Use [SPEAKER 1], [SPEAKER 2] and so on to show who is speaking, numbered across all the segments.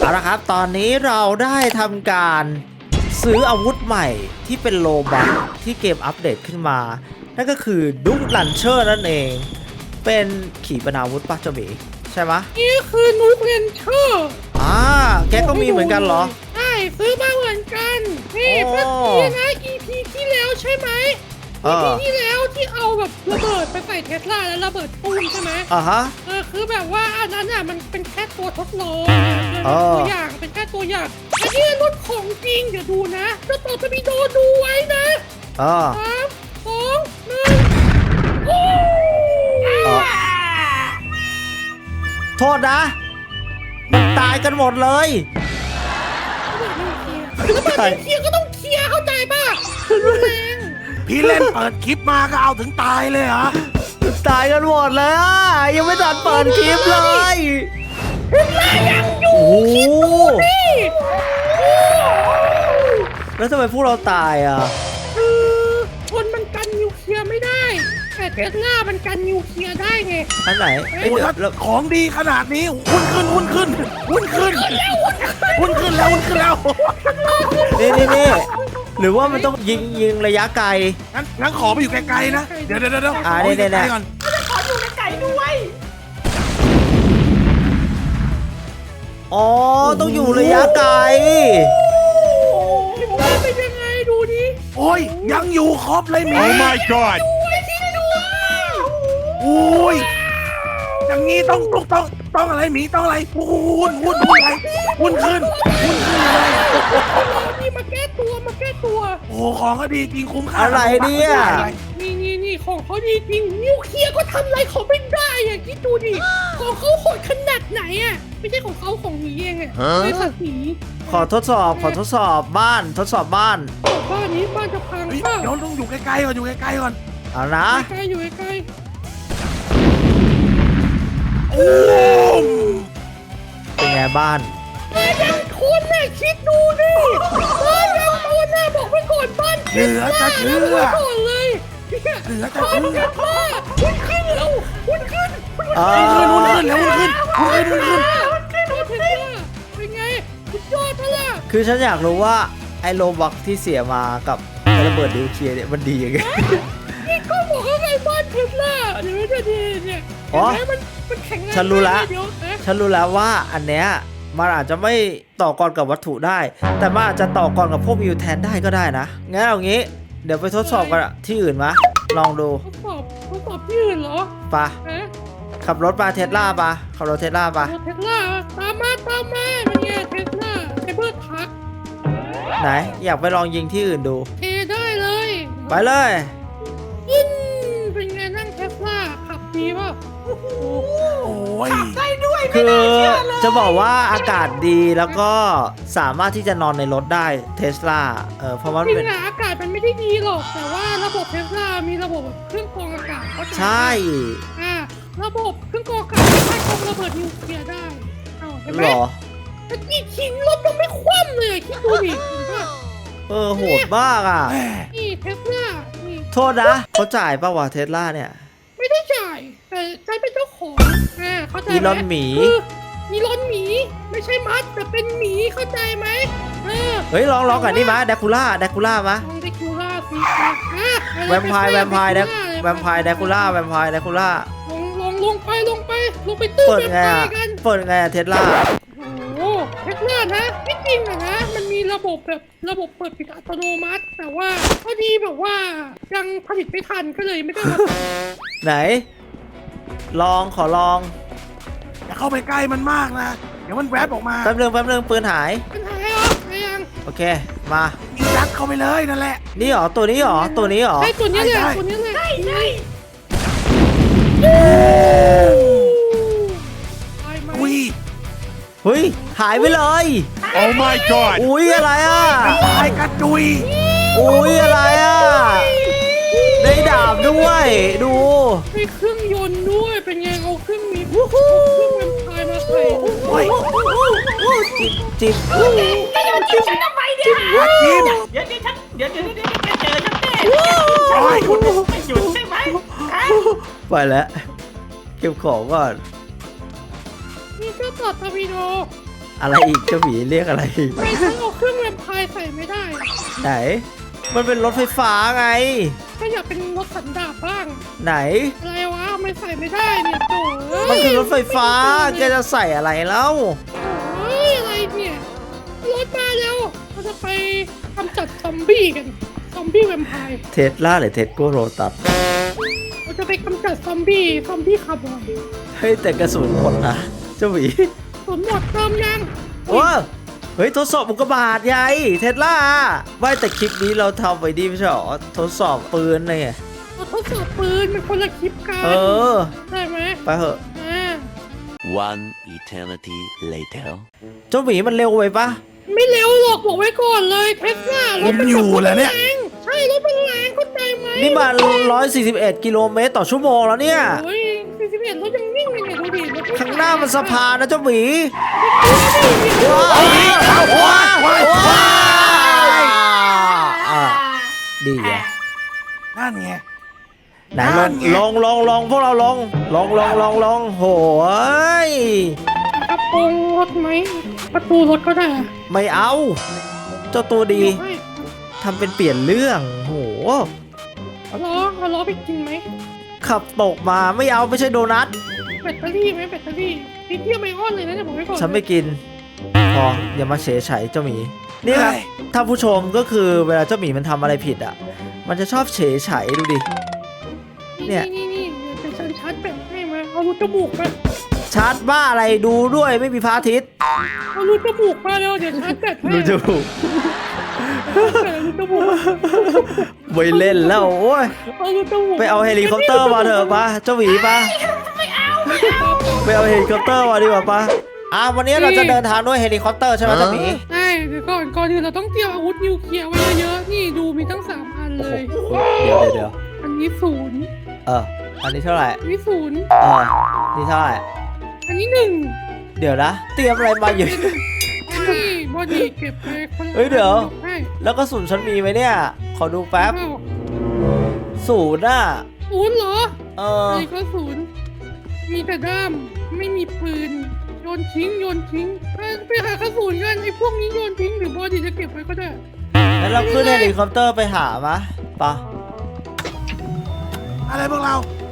[SPEAKER 1] เอาละครับตอนนี้เราได้ทำการซื้ออาวุธใหม่ที่เป็นโลบัคที่เกมอัปเดตขึ้นมานั่นก็คือดุ๊กลันเชอร์นั่นเองเป็นขีปนาวุธปะเจ้าหมีใช่ไหม
[SPEAKER 2] นี่คือนูเกลียนเชอร์
[SPEAKER 1] แกก็มีเหมือนกันเหรอ
[SPEAKER 2] ใช่ซื้อมาเหมือนกันนี่
[SPEAKER 1] โอ้
[SPEAKER 2] เมื่อกี้นะ EP ที่แล้วใช่ไหม EP ที่แล้วที่เอาแบบระเบิดไปใส่เทสลาแล้วระเบิดปุ้มใช่ไหม
[SPEAKER 1] ฮะ
[SPEAKER 2] คือแบบว่าอันนั้นอ่ะมันเป็นแค่ตัวทดลอง
[SPEAKER 1] อ๋อ
[SPEAKER 2] ตัวอย่างเป็นแค่ตัวอย่างอันนี้รถของจริงเดี๋ยวดูนะจะต่อจะมีโดดูไว้นะ 3 2 1โอ้
[SPEAKER 1] โทษนะมันตายกันหมดเลย
[SPEAKER 2] แล้วมันเคลียร์ก็ต้องเคลียร์เข้าใจป่ะแรง
[SPEAKER 3] พี่เล่นเปิดคลิปมาก็เอาถึงตายเลยเหรอ
[SPEAKER 1] ตายกันหมดเลยยังไม่ทันเปิดคลิปเลย
[SPEAKER 2] ยังอยู่
[SPEAKER 1] โอ้โห
[SPEAKER 2] นี่
[SPEAKER 1] แล้วทำไมพวกเราตาย
[SPEAKER 2] คนมันกันนิวเคลียร์ไม่ได้แต่เทสลามันกันนิวเคลียร์ได้ไง
[SPEAKER 1] อันไหน
[SPEAKER 3] โอ้ยถ้า
[SPEAKER 1] แล้ว
[SPEAKER 3] ของดีขนาดนี้หุ้นขึ้นหุ้นขึ้นหุ้นขึ้นหุ้นขึ้นแล้วหุ้นขึ้นแล้ว
[SPEAKER 1] นี่หรือว่ามันต้องยิงระยะไกล
[SPEAKER 3] งั้นขอไปอยู่ไกลๆนะเดี๋ยว
[SPEAKER 1] นี่
[SPEAKER 3] ขออยู่ไกลๆก่อน
[SPEAKER 1] อ๋อต้องอยู่ระยะไกล
[SPEAKER 2] เป็นยังไงดูดิ
[SPEAKER 3] โอ้ยยังอยู่ครบเลยหมี
[SPEAKER 4] Oh my god!
[SPEAKER 3] โอ้ยอย่างนี้ต้องอะไรหมีต้องอะไรหุ้นอะไรหุ้นขึ้นเลย
[SPEAKER 2] นี่มาแก้ตัว
[SPEAKER 3] โอ้ของก็ดีจริงคุ้มค่า
[SPEAKER 1] อะไรเนี่ย
[SPEAKER 2] นี่ของเขาดีจริงนิวเคลียร์ก็ทำอะไรเขาไม่ได้อ่ะคิดดูดิของเขาโหดขนาดไหนอ่ะไม่ใช่ของเขาของหนีเองอ่ะไม่สักหนี
[SPEAKER 1] ขอทดสอบบ้านทดสอบบ้าน
[SPEAKER 2] บ้านนี้บ้านจะพัง
[SPEAKER 3] เฮ้ย
[SPEAKER 2] เปล่า
[SPEAKER 3] เดี๋ยวต้องอยู่ใกล้ๆก่อนอยู่ใกล้ๆก่อน
[SPEAKER 1] เอานะ
[SPEAKER 2] ใกล้อยู่ใกล้
[SPEAKER 3] โอ้ม
[SPEAKER 1] เป็นไงบ้าน
[SPEAKER 2] บ้านยังคนน่ะคิดดูดิบ้านยังคนน่ะบอกไว้ก่อนบ้าน
[SPEAKER 3] เหลือจะเชื่อ
[SPEAKER 2] ไว้ก่อนเลย
[SPEAKER 3] เหลือจะ
[SPEAKER 2] บ้าน
[SPEAKER 3] เชื่
[SPEAKER 2] ยั
[SPEAKER 3] อง
[SPEAKER 2] ว่าหุ้นขึ้นแล้วหุ้นขึ้น
[SPEAKER 3] หุ้นขึ้นแล้วหุ้นขึ้น
[SPEAKER 2] เป็นไงสุดยอดปะล่ะ
[SPEAKER 1] คือฉันอยากรู้ว่าไอ้โลบักที่เสียมากับไอ้ระเบิดนิวเคลียร์เนี่ยมันดียังไง
[SPEAKER 2] นี่ก็บอกว่าไงบ้านเทสลาเดี๋ยวจะดีเนี่ย
[SPEAKER 1] อ๋อ
[SPEAKER 2] เห็นไหมมันแข็งแรง
[SPEAKER 1] ฉันรู้ละ
[SPEAKER 2] เดี๋ยวนะ
[SPEAKER 1] ฉันรู้แล้วว่าอันเนี้ยมันอาจจะไม่ต่อกรกับวัตถุได้ แต่มันอาจจะต่อกรกับพวกมิวแทนได้ก็ได้นะงั้นเอางี้เดี๋ยวไปทดสอบกันที่อื่นมะลองดู
[SPEAKER 2] ทดสอบที่อื่นเหรอ
[SPEAKER 1] ปะ
[SPEAKER 2] ฮะ
[SPEAKER 1] ขับรถมาเทสลาปะขับรถเทสลาปะ
[SPEAKER 2] เทสลาตามมาเป็นไงเทสลาไซเบอร์ทัก
[SPEAKER 1] ไหนอยากไปลองยิงที่อื่นดู
[SPEAKER 2] เทได้เลย
[SPEAKER 1] ไปเลย
[SPEAKER 2] เป็นไงนั่งเทสลาขับดีป่ะโอ้โห
[SPEAKER 3] โอ้ย
[SPEAKER 1] คือจะบอกว่าอากาศดีแล้วก็สามารถที่จะนอนในรถได้เทสลาเพราะว่า
[SPEAKER 2] จริ
[SPEAKER 1] เป็น
[SPEAKER 2] งอะอากาศมันไม่ได้ดีหรอก แต่ว่าระบบเทสลามีระบบเครื่องกรองอากาศเข้าใจไหม
[SPEAKER 1] ใช่
[SPEAKER 2] ระบบเครื่องกรองอากาศสามารถกรองระเบิดนิวเคลียร์ได้เห็นไหม
[SPEAKER 1] หรอ
[SPEAKER 2] แต่กี่ทิ้งรถยังไม่คว่ำเลยคิดดูดิเห็นปะ
[SPEAKER 1] โหดมากอ่ะ
[SPEAKER 3] แม่
[SPEAKER 2] นี่เทสลานี่
[SPEAKER 1] โทษนะเขาจ่ายป่าวะเทสลาเนี่ย
[SPEAKER 2] ไม่ได้จ่ายแต่ใจเป็นเจ้าของเข้าใจไหม
[SPEAKER 1] อีลอนหมี
[SPEAKER 2] คืออีลอนหมีไม่ใช่มัดแต่เป็นหมีเข้าใจไหม
[SPEAKER 1] เฮ้ยลองกันนี่มะแดคูล่ามะ
[SPEAKER 2] ลองเดคูล่าสิ
[SPEAKER 1] แวมไพร์แดคูล่าแวมไพร์แดคูล่า
[SPEAKER 2] ลงไปตื้อ
[SPEAKER 1] เปิด
[SPEAKER 2] แวม
[SPEAKER 1] ไง
[SPEAKER 2] ไพ
[SPEAKER 1] อ่ะ
[SPEAKER 2] ร์กัน
[SPEAKER 1] เปิดไงอะเทสลา
[SPEAKER 2] โอ้เทสลานะที่จริงอะนะมันมีระบบแบบระบบเปิดปิดอัตโนมัติ แต่ว่าพอดีแบบว่ายังผลิตไม่ทันก็เลยไม่ได้มา
[SPEAKER 1] ไหน ขอลอง
[SPEAKER 3] อย่าเข้าไปใกล้มันมากนะเดี๋ยวมันแวบออกมา
[SPEAKER 1] แป๊บนึงปืนหาย
[SPEAKER 2] ปัญหาเหรอไงยัง
[SPEAKER 1] โอเคมา
[SPEAKER 3] ยิงยัดเข้าไปเลยนั่นแหละ
[SPEAKER 1] นี่หรอตัวนี้หรอ
[SPEAKER 2] ใช่ตัวนี้แหละ
[SPEAKER 3] ใช่
[SPEAKER 2] ตัวนี้แหละใช่ตายไหม
[SPEAKER 3] อุ้ย
[SPEAKER 1] เฮ้ยหายไปเลย
[SPEAKER 4] Oh my god!
[SPEAKER 1] อุ้ยอะไรอ่ะ
[SPEAKER 3] ตายกระจุย
[SPEAKER 1] อุ้ยอะไรอ่ะได้ดาบด้วยดู
[SPEAKER 2] มีเครื่องยนต์ด้วยเป็นไงเอาเครื่องมีเอาเครื่องแวมไพร์มาใส่
[SPEAKER 3] โอ้ย
[SPEAKER 1] จิบ
[SPEAKER 5] จะโยนจิ้มฉันทำไมเนี่ย
[SPEAKER 3] อาคิม
[SPEAKER 5] เดี๋ยวฉันเดี๋ยวแกเจอฉันแน่
[SPEAKER 3] โอ้ย
[SPEAKER 5] ไม่หยุดใช่ไหมฮะ
[SPEAKER 1] ไปแล้วเก็บของก่อน
[SPEAKER 2] นี่เครื่องตอดทอร์ปิโด
[SPEAKER 1] อะไรอีกเจ้าหมีเรียกอะไรอีก
[SPEAKER 2] ทำไมฉันเอาเครื่องแวมไพร์ใส่ไม่ได้
[SPEAKER 1] ไหน มันเป็นรถไฟฟ้าไง
[SPEAKER 2] ก็อยากเป็นรถสันดาปบ้าง
[SPEAKER 1] ไหน
[SPEAKER 2] อะไรวะไม่ใส่ไม่ได้เนี่ยโถ่เอ้ย
[SPEAKER 1] มันคือรถไฟฟ้าแกจะใส่อะไรแล้ว
[SPEAKER 2] เฮ้ยอะไรเนี่ยรถมาแล้วเราจะไปกำจัดซอมบี้กันซอมบี้แวมไพร์
[SPEAKER 1] เทสลาหรือเทสโกโรตัส
[SPEAKER 2] เราจะไปกำจัดซอมบี้คาร์บอน
[SPEAKER 1] เฮ้ยแต่กระสุนหมดนะเจ้าหมี
[SPEAKER 2] สนหมดเติมยัง
[SPEAKER 1] ว้าเฮ้ยทดสอบอุกกาบาตไงเทสลาว่าแต่คลิปนี้เราทำไปดีไม่ใช่หรอทดสอบปืนเลยไง
[SPEAKER 2] เราทดสอบปืนมันคนละคลิปกัน
[SPEAKER 1] เออ
[SPEAKER 2] ได้ไหม
[SPEAKER 1] ไปเถอะ
[SPEAKER 2] อ่า
[SPEAKER 6] One eternity later.
[SPEAKER 1] เจ้าหมีมันเร็วไปปะ
[SPEAKER 2] ไม่เร็วหรอกบอกไว้ก่อนเลยเทสลารถมัน
[SPEAKER 3] อยู่เหรอเนี่ย
[SPEAKER 2] แรงใช่รถมันแรงเข้าใจไหม
[SPEAKER 1] นี่มัน141 กิโลเมตรต่อชั่วโมงแล้วเนี่ย
[SPEAKER 2] โอ้ย41รถยังนิ่งเลยเนี่ยดูดิรถไม่
[SPEAKER 1] ข้างหน้ามันสะพานนะเจ้าหมี
[SPEAKER 2] ว้าว
[SPEAKER 1] ว้าวอ่ะดีอ่ะ
[SPEAKER 3] นั่นไง
[SPEAKER 1] ไหน
[SPEAKER 3] นั่นไง
[SPEAKER 1] ลองพวกเราลองโหย
[SPEAKER 2] กระโปรงรถไหมประตูรถก็ได้อะ
[SPEAKER 1] ไม่เอา เจ้าตัวดี
[SPEAKER 2] เดี๋ยวให้
[SPEAKER 1] ทำเป็นเปลี่ยนเรื่องโห
[SPEAKER 2] เอาล้อไปกินไหม
[SPEAKER 1] ขับตกมาไม่เอาไม่ใช่โดนัท
[SPEAKER 2] แบตเตอรี่ไหมแบตเตอรี่นิดเดียวไม่อ้อนเลยนะเนี่ยบอกไว้ก่อน
[SPEAKER 1] ฉันไม่กินพออย่ามาเฉยไฉเจ้าหมีนี่ครับถ้าผู้ชมก็คือเวลาเจ้าหมีมันทำอะไรผิดอ่ะ มันจะชอบเฉยไฉดูดิ เนี่ย
[SPEAKER 2] นี่เดี๋ยวฉันชาร์จแบตให้มาเอารูจมูกมา
[SPEAKER 1] ชาร์จบ้าอะไรดูด้วยไม่มีพระอาทิตย์
[SPEAKER 2] เอารูจมูกมาแล้วเดี๋ยวชาร์จแบตให้
[SPEAKER 1] ดูจมูก
[SPEAKER 2] รูจมูก
[SPEAKER 1] ไม่เล่นแล้วโอ้ย
[SPEAKER 2] เอารูจมูก
[SPEAKER 1] ไปเอาเฮลิคอปเตอร์มาเถอะปะเจ้าหมีปะไปเอาเฮลิคอปเตอร์มาดีกว่าปะวันนี้เราจะเดินทางด้วยเฮลิคอปเตอร์ใช่ไหมเจ้าหมี
[SPEAKER 2] ใช่เดี๋ยวก่อนอื่นเราต้องเตรียมอาวุธนิวเคลียร์ไว้เยอะๆนี่ดูมีทั้ง3อันเลย
[SPEAKER 1] เดี๋ยว
[SPEAKER 2] อันนี้0
[SPEAKER 1] อันนี้เท่าไหร่
[SPEAKER 2] อันนี้0
[SPEAKER 1] นี่เท่าไหร่
[SPEAKER 2] อันนี้1
[SPEAKER 1] เดี๋ยวนะ เตรียมอะไรมาอยู่
[SPEAKER 2] อันนี้บอดี้เก็บไปคนละ
[SPEAKER 1] เฮ้ยเดี๋ยว
[SPEAKER 2] ใช่
[SPEAKER 1] แล้วก็ศูนย์ฉันมีไหมเนี่ย ขอดูแป๊บ
[SPEAKER 2] อ้าว
[SPEAKER 1] ศูนย์อ่ะ
[SPEAKER 2] 0เหรอ
[SPEAKER 1] อ
[SPEAKER 2] ไอ้ก็0มีแต่ด้ามไม่มีปืนโยนทิ้งไปหากระสุนกันไอ้พวกนี้โยนทิ้งหรือบอดี้จะเก็บไว้ก็ได้
[SPEAKER 1] แล้วเราขึ้นเฮลิคอปเตอร์ไปหามะปะ
[SPEAKER 3] อะไรพวกเรา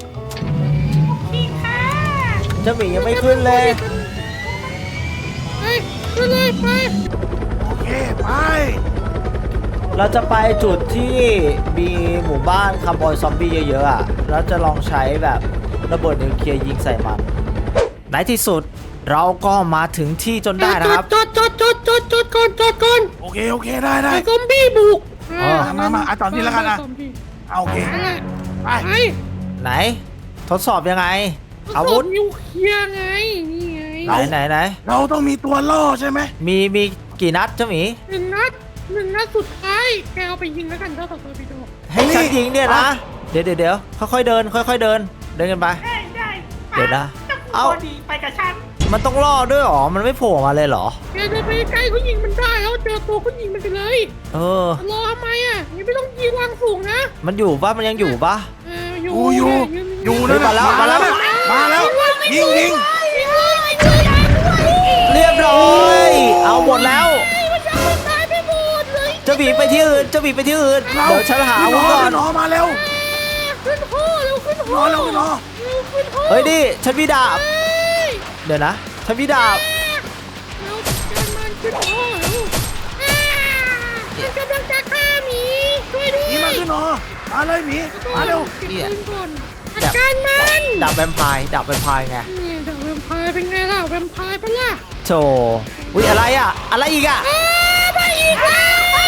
[SPEAKER 1] เจ้าหมียังไม่ขึ้นเลย
[SPEAKER 2] ไปขึ้นเลยไป
[SPEAKER 3] โอเค ไป
[SPEAKER 1] เราจะไปจุดที่มีหมู่บ้านคาร์บอยซอมบี้เยอะๆอ่ะ แล้วจะลองใช้แบบระเบิดนิวเคลียร์ยิงใส่มัน ในที่สุดเราก็มาถึงที่จนได้นะครับ
[SPEAKER 2] จอดก่อน
[SPEAKER 3] โอเค โอเค ได้ได้
[SPEAKER 2] ไอ้ซอมบี้บุก
[SPEAKER 3] มาตอนนี้แล้วกันนะ
[SPEAKER 2] ซอมบี้
[SPEAKER 3] เอาโอเค
[SPEAKER 2] นั่นแหละ
[SPEAKER 3] ไป
[SPEAKER 2] ไป
[SPEAKER 1] ไหน ทดสอบยังไง อาวุธ
[SPEAKER 2] นิวเคลียร์ไงนี่ไง
[SPEAKER 1] ไหน
[SPEAKER 3] เราต้องมีตัวล่อใช่ไหม
[SPEAKER 1] มีกี่นัดเจ้าหมี
[SPEAKER 2] หนึ่งนัดสุดท้ายแกเอาไปยิงแล้วกันเท่ากับตัวไปดู
[SPEAKER 1] ให้ฉันยิงเนี่ยนะ เดี๋ยวค่อยๆเดินเดินกันไป
[SPEAKER 5] ได้
[SPEAKER 1] เดี๋ยวนะ
[SPEAKER 5] เอ้า
[SPEAKER 1] เอ้า
[SPEAKER 5] ดีไปกับฉัน
[SPEAKER 1] มันต้องล่อด้วยเหรอ มันไม่โผล่มาเลยเหรอ
[SPEAKER 2] แกเดินไปใกล้เขายิงมันได้แล้วเจอตัวเขายิงมันไปเลย
[SPEAKER 1] เออ
[SPEAKER 2] รอทำไมอ่ะยังไม่ต้องยิงวางสูงนะ
[SPEAKER 1] มันอยู่ปะมันยังอยู่ปะ
[SPEAKER 3] อยู่
[SPEAKER 1] เฮ้ยมาแล้ว
[SPEAKER 3] มาแล้วยิง
[SPEAKER 2] ยิงเลย
[SPEAKER 1] เรียบร้อย เอาหมดแล้ว
[SPEAKER 2] มันจะตายไปหมดเลย
[SPEAKER 1] เจ้าหมีไปที่อื่นเดี๋ยวฉันหาอาวุธก่อน
[SPEAKER 3] รอมาเร็ว
[SPEAKER 2] ขึ้นห้อเร็วขึ้นห้อ
[SPEAKER 3] รอ
[SPEAKER 2] ขึ้นห้อ
[SPEAKER 1] เฮ้ยดิฉันมีดาบ เดี๋ยวนะฉันมีดาบ
[SPEAKER 2] เราจัดการมันขึ้นห้อเร็วมันกำลังจะฆ่าหมีช่วยด้วย
[SPEAKER 3] หมีมาขึ้นหนอมาเลยหมีมาเร็ว
[SPEAKER 2] เก็บปืนก่อนจัดการมัน
[SPEAKER 1] ดาบแวมไพร์ไง
[SPEAKER 2] นี่ดาบแวมไพร์เป็นไงล่ะแวมไพร์ปะล่ะ
[SPEAKER 1] โธ่อุ๊ยอะไรอ่ะ อะไรอีกอ่ะ
[SPEAKER 2] มาอีกแล้ว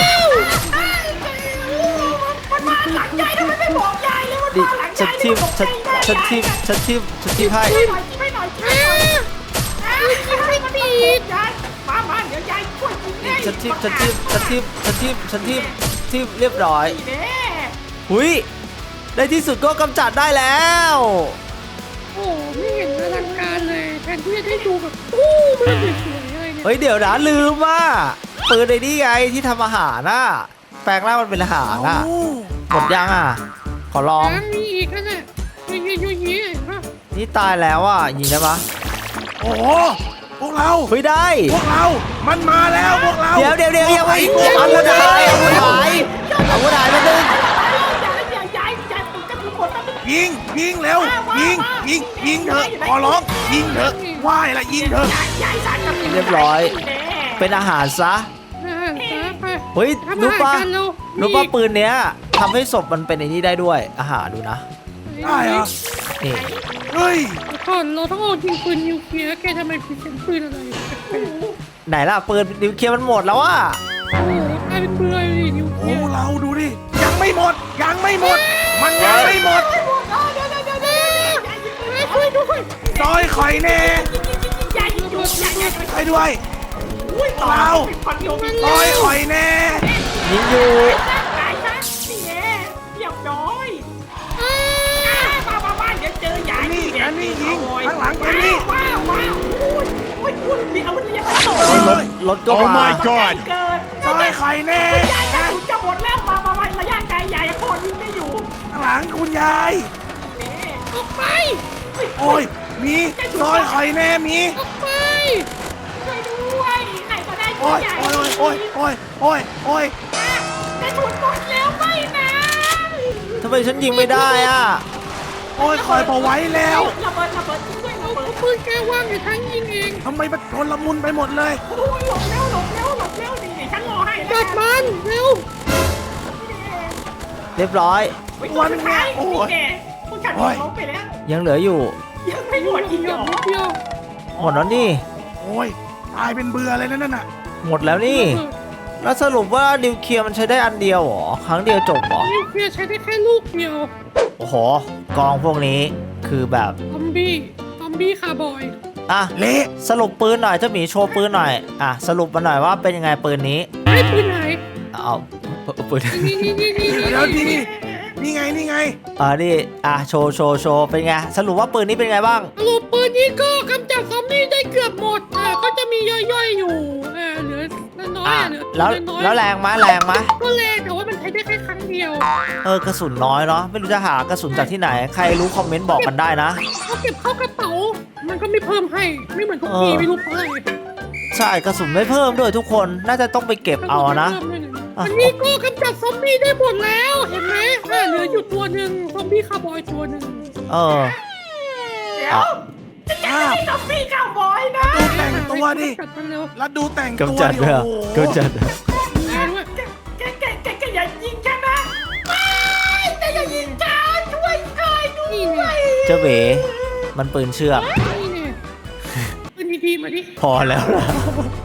[SPEAKER 5] มันมาหลังยายแล้วมันไม่บอกยายเลยมัน
[SPEAKER 1] ดิ
[SPEAKER 5] มาหลัง
[SPEAKER 1] ฉั
[SPEAKER 5] ยาน ย
[SPEAKER 1] ทิมฉันทิมให้
[SPEAKER 5] ช่วยหน่อยช่วยหน่อยช่วยหน่อยยิงไม่ปีดยายมาเดี๋ยวยายช่วยยิงให้
[SPEAKER 1] ฉันทิมเรียบร้อย
[SPEAKER 5] แน่
[SPEAKER 1] หุยในที่สุดก็กำจัดได้แล้ว
[SPEAKER 2] โอ้ไม่เห็นอลังการเลยแทนที่จะได้ดูแบบตู้มันสวยๆเลยเนี่ย
[SPEAKER 1] เฮ้ยเดี๋ยวนะลืมว่าปืนในนี่ไงที่ทำอาหารน่ะแปลงร่างมันเป็นอาหารน่ะหมดยังอ่ะ ขอลอง
[SPEAKER 2] ยังมีอีกนะเนี่ยยุ่ยๆเห็นปะ
[SPEAKER 1] นี่ตายแล้วอ่ะยิงได้ปะ
[SPEAKER 3] โอ้โหพวกเรา
[SPEAKER 1] ไม่ได้
[SPEAKER 3] พวกเรามันมาแล้วพวกเรา
[SPEAKER 1] เดี๋ยวยังไม่อาวุธหายอาวุธหายอาวุธหายไปนึง
[SPEAKER 5] ยายผมจะถูกคนตั้ง
[SPEAKER 3] ยิงเร็วยิงเถอะขอร้องยิงเถอะว่ายละยิงเถอะ
[SPEAKER 5] ยายสารกับ
[SPEAKER 1] เรียบร้อย เป็นอาหารซะ
[SPEAKER 2] ไป
[SPEAKER 1] เฮ้ย
[SPEAKER 2] ทำอา
[SPEAKER 1] รู้
[SPEAKER 2] หาร
[SPEAKER 1] ป่ะ
[SPEAKER 2] กันเร็ว
[SPEAKER 1] รู้ป่ะปืนเนี้ยทำให้ศพมันเป็นไอ้นี่ได้ด้วย อาหารดูนะ
[SPEAKER 3] ได้เหรอ
[SPEAKER 1] นี่
[SPEAKER 3] เฮ้ย
[SPEAKER 2] ก่อนเราต้องเอายิงปืนนิวเคลียร์แกทำไมพิเศษปืนอะไรแปลก
[SPEAKER 1] ไหนล่ะปืนนิวเคลียร์มันหมดแล้วอ่ะ
[SPEAKER 2] ๆโอ้โหกลายเป็นปืนอะไรดินิวเค
[SPEAKER 3] โอ้
[SPEAKER 2] ลียร์
[SPEAKER 3] เราดูดิยังไม่หมดมันยังไม่หมด
[SPEAKER 2] ช่วยด้วย
[SPEAKER 3] ซอยข่อยแน่
[SPEAKER 5] ยายหยุดยาย
[SPEAKER 3] ไปด้วย
[SPEAKER 5] อุ้ยต่อ
[SPEAKER 3] เรา
[SPEAKER 5] คนโยม
[SPEAKER 3] ซอยข่อยแน่
[SPEAKER 1] ยิงอยู่
[SPEAKER 5] ตายซะนี่แน่เรียบร้อยมาบ้านเดี๋ยวเจอยาย
[SPEAKER 3] นี่อันนี้ยิงข้างหลังอันนี้
[SPEAKER 5] ว้าวอุ้ยมีอาวุธเรียกต่อ
[SPEAKER 1] รถก็
[SPEAKER 4] Oh
[SPEAKER 1] มา
[SPEAKER 4] my god
[SPEAKER 5] เกิด
[SPEAKER 3] ซอยข่อยแน่
[SPEAKER 5] ยายจะหมดแล้วมาระยะไกลยายพอยิงไม่อยู่
[SPEAKER 3] ข้างหลังคุณยาย
[SPEAKER 2] ออกไป
[SPEAKER 3] โอ้ยมีซอยข่อยแน่มี
[SPEAKER 2] ออกไป
[SPEAKER 5] ช่วยด้วยใครก็ได้ช่
[SPEAKER 3] โอ้
[SPEAKER 5] วย
[SPEAKER 3] ย
[SPEAKER 5] ยาย
[SPEAKER 3] โอ้ย
[SPEAKER 5] กระสุนหมดแล้วไม่นะ
[SPEAKER 1] ทำไมฉันยิงไม่ได้อ่ะ
[SPEAKER 3] โอ้ยคอยพอไว้แล้ว
[SPEAKER 5] ระเบิดช่วยระเบิด
[SPEAKER 2] ปืนแกว่างอยู่ทั้งยิงเอง
[SPEAKER 3] ทำไมมันชนละมุนไปหมดเลย
[SPEAKER 5] โอ้ยหลบเร็วนี่ฉันรอให้
[SPEAKER 2] จัดมันเร็ว
[SPEAKER 1] เรียบร้อย
[SPEAKER 5] วันนี้โอ้ยผู้จัดล้มไปแล้ว
[SPEAKER 1] ยังเหลืออยู่
[SPEAKER 5] ยังไม่หมดอีก
[SPEAKER 2] เดี
[SPEAKER 5] เหร
[SPEAKER 2] ยว
[SPEAKER 5] อ
[SPEAKER 2] นิดเดียว
[SPEAKER 1] หมดแล้วนี่
[SPEAKER 3] โอ้ยตายเป็นเบื่อเลยนั่นน่ะ
[SPEAKER 1] หมดแล้วนี่ แล้วสรุปว่านิวเคลียร์มันใช้ได้อันเดียวเหรอ ครั้งเดียวจบเหรอ
[SPEAKER 2] นิวเคลียร์ใช้ได้แค่ลูกเดียว
[SPEAKER 1] โอ้โห กองพวกนี้คือแบบ
[SPEAKER 2] ซอมบี้คาร์บอย
[SPEAKER 1] อ่ะ
[SPEAKER 3] เละ
[SPEAKER 1] สรุปปืนหน่อยเจ้าหมีโชว์ปืนหน่อย อ่ะ สรุปมาหน่อยว่าเป็นยังไงปืนนี้
[SPEAKER 2] ไม่ปืนไหน
[SPEAKER 1] เอาปืน
[SPEAKER 2] นี่
[SPEAKER 3] เดี๋ยวนี่ไง
[SPEAKER 1] นี่อ่ะโชว์เป็นไง สรุปว่าปืนนี้เป็นไงบ้าง
[SPEAKER 2] สรุปปืนนี้ก็กำจัดซอมบี้ได้เกือบหมดก็จะมีย่อยๆอยู่เหลือน้อย
[SPEAKER 1] อ่ะ
[SPEAKER 2] เหลือ
[SPEAKER 1] แล้ว
[SPEAKER 2] น้อย
[SPEAKER 1] แรงไหม
[SPEAKER 2] ก็แรงแต่ว่ามันใช้ได้แค่ครั้งเดียว
[SPEAKER 1] กระสุนน้อยเนาะ ไม่รู้จะหากระสุนจากที่ไหน ใครรู้คอมเมนต์บอกกันได้นะ
[SPEAKER 2] เขาเก็บเข้ากระเป๋า มันก็ไม่เพิ่มให้ ไม่เหมือนทุกทีไม่รู้เพราะอะไร
[SPEAKER 1] ใช่กระสุนไม่เพิ่มด้วยทุกคน น่าจะต้องไปเก็บเอานะ
[SPEAKER 2] อันนี้ก็กำจัดซอมบี้ได้หมดแล้ว เห็นไหมเหลืออยู่ตัวหนึ่งซอมบี้คาร์บอยตัวหนึ่ง
[SPEAKER 1] เออ
[SPEAKER 5] เดี๋ยวจะจับซอมบี้ข้าวบอยนะ
[SPEAKER 3] ดูแต่งตัวดิ
[SPEAKER 2] จัดมันเร็ว
[SPEAKER 3] แล้วดูแต่งตัว
[SPEAKER 1] กำจัด
[SPEAKER 3] ดิ
[SPEAKER 1] ด้วย
[SPEAKER 3] โอ้โห
[SPEAKER 1] กำจัด
[SPEAKER 2] ด้วย
[SPEAKER 5] แกอย่ายิงฉันนะแต่อย่ายิงฉันช่วยหน่อยด้
[SPEAKER 2] นี่
[SPEAKER 5] ว
[SPEAKER 2] เนี่ย
[SPEAKER 5] ย
[SPEAKER 1] เจ้าเบ๋มันปืนเชือก
[SPEAKER 2] นี่เนี่ยปืนดีๆมาดิ
[SPEAKER 1] พอแล้วล่ะ